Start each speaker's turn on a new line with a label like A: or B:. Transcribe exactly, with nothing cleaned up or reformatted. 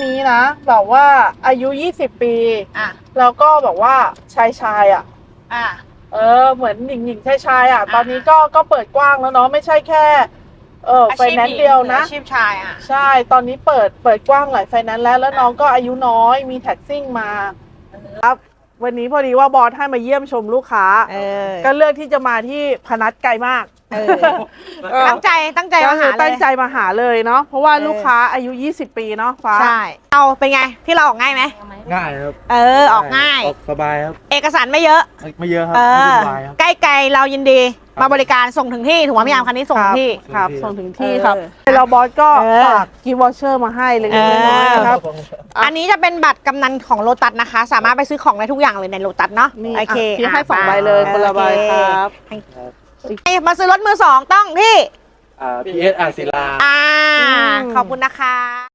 A: นี้นะแบบว่าอายุยี่สิบปีอ่ะแล้วก็แบบว่าชายชายอ่ะอ่ะเออเหมือนหญิงหญิงชายชายอ่ะตอนนี้ก็ก็เปิดกว้างแล้วเนาะไม่ใช่แค่เออไฟแนนซ์เดียวนะอาชีพชายอ่ะใช่ตอนนี้เปิดเปิดกว้างหลายไฟแนนซ์แล้วแล้วน้องก็อายุน้อยมีแท็กซิ่งมาครับวันนี้พอดีว่าบอสให้มาเยี่ยมชมลูกค้าก็เลือกที่จะมาที่พนัสไกลมาก
B: ตั้งใจตั้งใจมาหาเลย
A: ตั้งใจมาหาเลยเนาะเพราะว่าลูกค้าอายุยี่สิบปีเนาะฟ้า
B: ใช่เอาเป็นไงที่เราออกง่ายไหม
C: ง่ายครับ
B: เออออกง่าย
C: ออกสบายครับ
B: เอกสารไม่เยอะ
C: ไม่เยอะครับ
B: ใกล้ไกลเรายินดีมาบริการส่งถึงที่ถูกไหมพี่ยามคันนี้ส่งถึงที่
A: ครับส่งถึงที่ครับเราบอสก็ฝากกิฟต์วอเชอร์มาให้เลยน้อยครับ
B: อันนี้จะเป็นบัตรกำนันของโลตัสนะคะสามารถไปซื้อของได้ทุกอย่างเลยในโลตัสเนาะโอเค
A: ที่ให้สองใบเลยคนละใบครับ
B: มาซื้อรถมือสองต้องที่
C: พีเอสอ่างศิลา
B: อ่าขอบคุณนะคะ